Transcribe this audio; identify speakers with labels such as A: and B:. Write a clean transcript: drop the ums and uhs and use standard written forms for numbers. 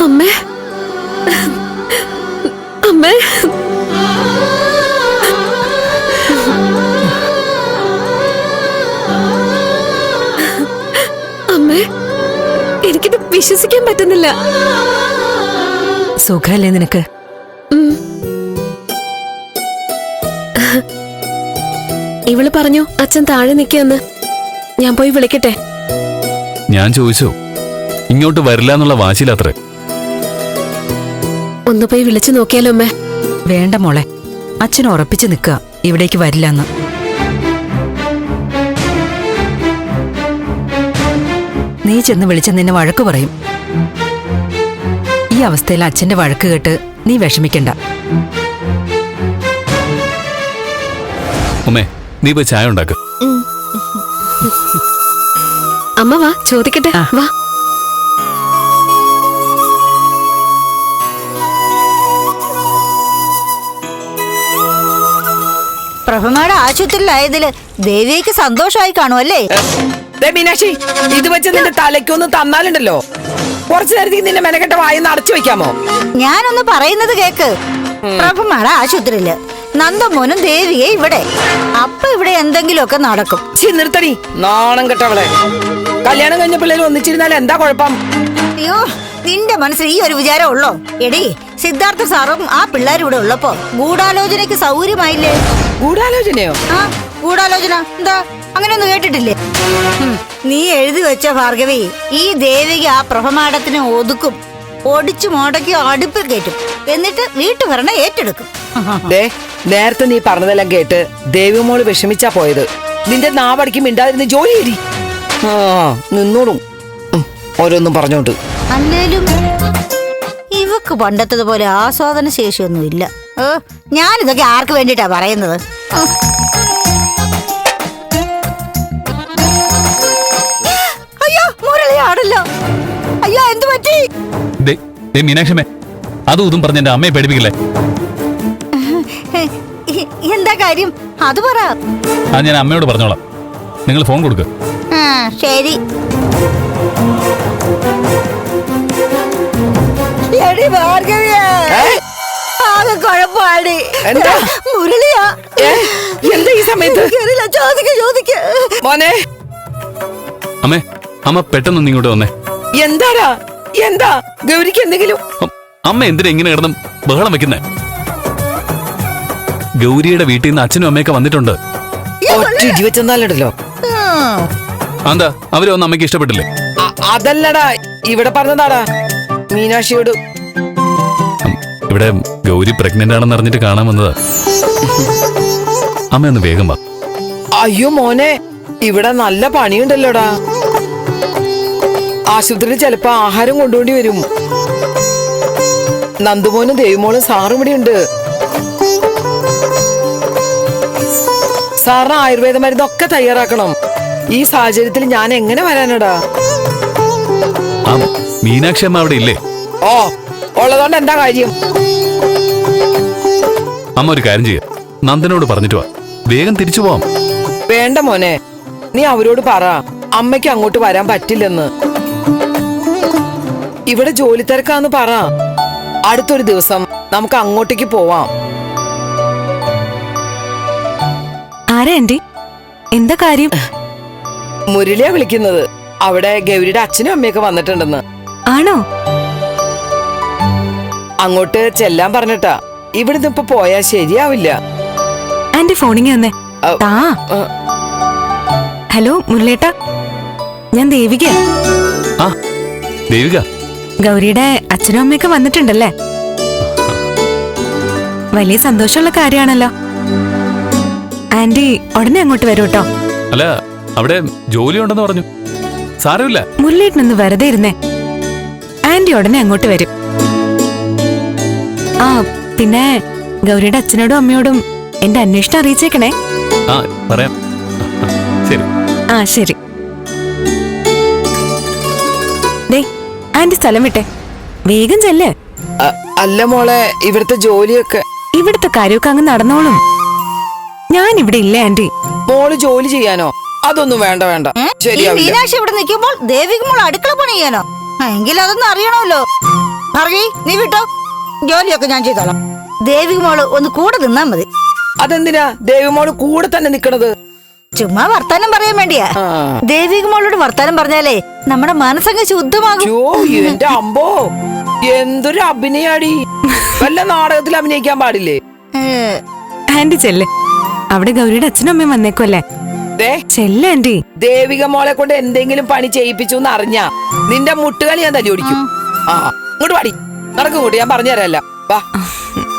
A: അമ്മേ അമ്മേ അമ്മേ എനിക്കിത് വിശ്വസിക്കാൻ പറ്റുന്നില്ല.
B: സുഖല്ലേ നിനക്ക്?
A: ഇവള് പറഞ്ഞു അച്ഛൻ താഴെ നിൽക്കുമെന്ന്. ഞാൻ പോയി വിളിക്കട്ടെ?
C: ഞാൻ ചോദിച്ചോ, ഇങ്ങോട്ട് വരില്ല എന്നുള്ള വാശിയിലത്രേ.
A: ഒന്ന് പോയി വിളിച്ചു നോക്കിയാലോ അമ്മേ?
B: വേണ്ട മോളെ, അച്ഛൻ ഉറപ്പിച്ചു നിൽക്കുക ഇവിടേക്ക് വരില്ലെന്ന്. നീ ചെന്ന് വിളിച്ച നിന്നെ വഴക്ക് പറയും. ഈ അവസ്ഥയിൽ അച്ഛന്റെ വഴക്ക് കേട്ട് നീ വിഷമിക്കണ്ട.
C: ഉമ്മേ, നീ പോയി ചായ ഉണ്ടാക്ക്.
A: അമ്മ വാ, ചോദിക്കട്ടെ. വാ.
D: പ്രഭമയുടെ ആശുപത്രിയിലായതില് ദേവിക്ക് സന്തോഷമായി കാണുമല്ലേ?
E: മീനാക്ഷി, ഇത് വെച്ച് നിന്റെ തലയ്ക്കൊന്ന് തന്നാലുണ്ടല്ലോ, കുറച്ചു നേരത്തേക്ക് നിന്റെ മെനക്കെട്ട വായൊന്ന് അടച്ചു വെക്കാമോ?
D: ഞാനൊന്ന് പറയുന്നത് കേക്ക്. പ്രഭമയുടെ ആശുപത്രിയില് നന്ദമോനും ദേവിയെ ഇവിടെ. അപ്പൊ ഇവിടെ എന്തെങ്കിലുമൊക്കെ നടക്കും.
E: നിർത്തടി, നാണം കെട്ടവളെ. കല്യാണം കഴിഞ്ഞ പിള്ളേർ ഒന്നിച്ചിരുന്നാൽ എന്താ കുഴപ്പം?
D: അയ്യോ, നിന്റെ മനസ്സിൽ ഈ ഒരു വിചാരം ഉള്ളോ? എടി, സിദ്ധാർത്ഥ സാറും ആ പിള്ളേരും ഇവിടെ ഉള്ളപ്പോ ഗൂഢാലോചനയ്ക്ക് സൗകര്യമായില്ലേ?
E: ഗൂഢാലോചനയോ?
D: ആ, ഗൂഢാലോചന എന്താ അങ്ങനെയൊന്നും കേട്ടിട്ടില്ലേ? നീ എഴുതി വെച്ച ഭാർഗവി, ഈ ദേവിക ആ പ്രഭമാടത്തിനെ ഒതുക്കും, ഒടിച്ചു മുടക്കി അടുപ്പിൽ കയറ്റും, എന്നിട്ട് വീട്ടുഭരണം ഏറ്റെടുക്കും.
E: നേരത്തെ നീ പറഞ്ഞതെല്ലാം കേട്ട് ദേവിമോള് വിഷമിച്ചാ പോയത്. നിന്റെ നാവടിക്ക് മിണ്ടാതിരുന്ന് ജോലി ചെയ്തി. ആ, നിന്നോളും ഓരോന്നും പറഞ്ഞോണ്ട്.
D: അല്ലേലും ഇവക്ക് പണ്ടത്തതുപോലെ ആസ്വാദന ശേഷിയൊന്നും ഇല്ല. ഞാനിതൊക്കെ ആർക്ക് വേണ്ടിട്ടാ പറയുന്നത്? അയ്യോ, മുരളിയാണല്ലോ. അയ്യോ, എന്ത് പറ്റി?
C: മീനാക്ഷമേ, അതും ഇതും പറഞ്ഞ എന്റെ അമ്മയെ പേടിപ്പിക്കില്ലേ?
D: എന്താ കാര്യം? അത് പറ.
C: അത് ഞാൻ അമ്മയോട് പറഞ്ഞോളാം. നിങ്ങൾ ഫോൺ കൊടുക്ക.
D: ശരി. ആകെ കുഴപ്പമാണ്. മുരളിയാ.
E: എന്താ ഈ സമയത്ത്? മോനെ,
C: അമ്മേ, അമ്മ പെട്ടെന്ന് ഇങ്ങോട്ട് വന്നേ.
E: എന്താടാ? എന്താ ഗൗരിക്ക് എന്തെങ്കിലും?
C: അമ്മ എന്തിനാ ഇങ്ങനെ കിടന്നും ബഹളം വെക്കുന്നേ? ഗൗരിയുടെ വീട്ടിൽ നിന്ന് അച്ഛനും അമ്മയൊക്കെ വന്നിട്ടുണ്ട്.
E: വെച്ചെന്നാലോ?
C: എന്താ അവരെ ഒന്നും അമ്മയ്ക്ക് ഇഷ്ടപ്പെട്ടില്ലേ?
E: അതല്ലടാ, ഇവിടെ പറഞ്ഞതാടാ മീനാക്ഷിയോട്.
C: ഇവിടെ ഗൗരി പ്രഗ്നന്റ് ആണെന്ന് അറിഞ്ഞിട്ട് കാണാൻ വന്നതാ. അമ്മ ഒന്ന് വേഗം വാ.
E: അയ്യോ മോനെ, ഇവിടെ നല്ല പണിയുണ്ടല്ലോടാ. ആശുപത്രിയിൽ ചിലപ്പോ ആഹാരം കൊണ്ടുപോണ്ടി വരും. നന്ദുമോനും ദേവിമോളും സാറും ഇവിടെ ഉണ്ട്. സാറിന് ആയുർവേദ മരുന്നൊക്കെ തയ്യാറാക്കണം. ഈ സാഹചര്യത്തിൽ ഞാൻ എങ്ങനെ വരാനടാ?
C: മീനാക്ഷി അമ്മ അവിടെ ഇല്ലേ?
E: ഓ, ഉള്ളതുകൊണ്ട് എന്താ കാര്യം?
C: അമ്മ ഒരു കാര്യം ചെയ്യാം, നന്ദനോട് പറഞ്ഞിട്ട് വാ, വേഗം തിരിച്ചു പോവാം.
E: വേണ്ട മോനെ, നീ അവരോട് പറ അമ്മയ്ക്ക് അങ്ങോട്ട് വരാൻ പറ്റില്ലെന്ന്. ഇവിടെ ജോലി തിരക്കാന്ന് പറ. അടുത്തൊരു ദിവസം നമുക്ക് അങ്ങോട്ടേക്ക് പോവാം.
B: ആരാ ആന്റി? എന്താ കാര്യം?
E: മുരളിയാ വിളിക്കുന്നത്. അവിടെ ഗൗരിയുടെ അച്ഛനും അമ്മയൊക്കെ വന്നിട്ടുണ്ടെന്ന്.
B: ആണോ?
E: അങ്ങോട്ട് ചെല്ലാൻ പറഞ്ഞിട്ടാ. ഇവിടുന്ന് ഇപ്പൊ പോയാ ശരിയാവില്ല.
B: ആന്റി ഫോണിങ് തന്നെ. ഹലോ മുരളേട്ടാ, ഞാൻ ദേവിക.
C: ആ ദേവിക,
B: ഗൗരിയുടെ അച്ഛനും അമ്മയൊക്കെ വന്നിട്ടുണ്ടല്ലേ? വലിയ സന്തോഷമുള്ള കാര്യമാണല്ലോ. ആന്റി ഉടനെ അങ്ങോട്ട് വരൂ കേട്ടോ.
C: അല്ല, അവിടെ ജോലി ഉണ്ടെന്ന് പറഞ്ഞു. സാരമില്ല.
B: മുരളേട്ടനൊന്ന് വെറുതെ ഇരുന്നേ. ആന്റി ഉടനെ അങ്ങോട്ട് വരും. ആ പിന്നെ ഗൗരിയുടെ അച്ഛനോടും അമ്മയോടും എന്റെ അന്വേഷണം അറിയിച്ചേക്കണേ.
C: ആ പറയാം. ശരി.
B: ആ ശരി. ദേ ആന്റി സ്ഥലം വിട്ടെ, വേഗം ചെല്ല്.
E: അല്ല മോളെ, ഇവിടുത്തെ ജോലിയൊക്കെ.
B: ഇവിടുത്തെ കാര്യമൊക്കെ അങ്ങ് നടന്നോളും. ഞാൻ ഇവിടെ ഇല്ല ആന്റി.
E: മോള് ജോലി ചെയ്യാനോ? അതൊന്നും വേണ്ട വേണ്ട.
D: മീനാക്ഷി ഇവിടെ നിൽക്കുമ്പോൾ ദേവിക മോൾ അടുക്കള പണി ചെയ്യാനോ? എങ്കിൽ അതൊന്നും അറിയണമല്ലോ. ഭാർഗവി നീ വിട്ടോ, ജോലിയൊക്കെ ഞാൻ ചെയ്തോളാം. ദേവിക മോള് ഒന്ന് കൂടെ നിന്നാ മതി.
E: അതെന്തിനാ ദേവിമോള് കൂടെ തന്നെ നിക്കണത്?
D: ചുമ്മാ വർത്താനം പറയാൻ വേണ്ടിയാ.
E: ആ.
D: ദേവിക മോളോട് വർത്താനം പറഞ്ഞാലേ നമ്മുടെ മനസ്സങ്ങ് ശുദ്ധമാകും.
E: യോ എന്റെ അമ്പോ, എന്തൊരു അഭിനയാടി. വല്ല നാടകത്തിൽ അഭിനയിക്കാൻ പാടില്ലേ?
B: ആന്റി ചെല്ല്, അവിടെ ഗൗരിയുടെ അച്ഛനും അമ്മയും വന്നേക്കുമല്ലേ.
E: ദേ
B: ചെല്ല് ആന്റി.
E: ദേവിക മോളെ കൊണ്ട് എന്തെങ്കിലും പണി ചെയ്യിപ്പിച്ചു എന്ന് അറിഞ്ഞാ നിന്റെ മുട്ടുകളി ഞാൻ തല്ലി ഓടിക്കും. ആ ഇങ്ങോട്ട് പാടി നടക്കും, കൂട്ടി ഞാൻ പറഞ്ഞു തരാമല്ലോ. വാ.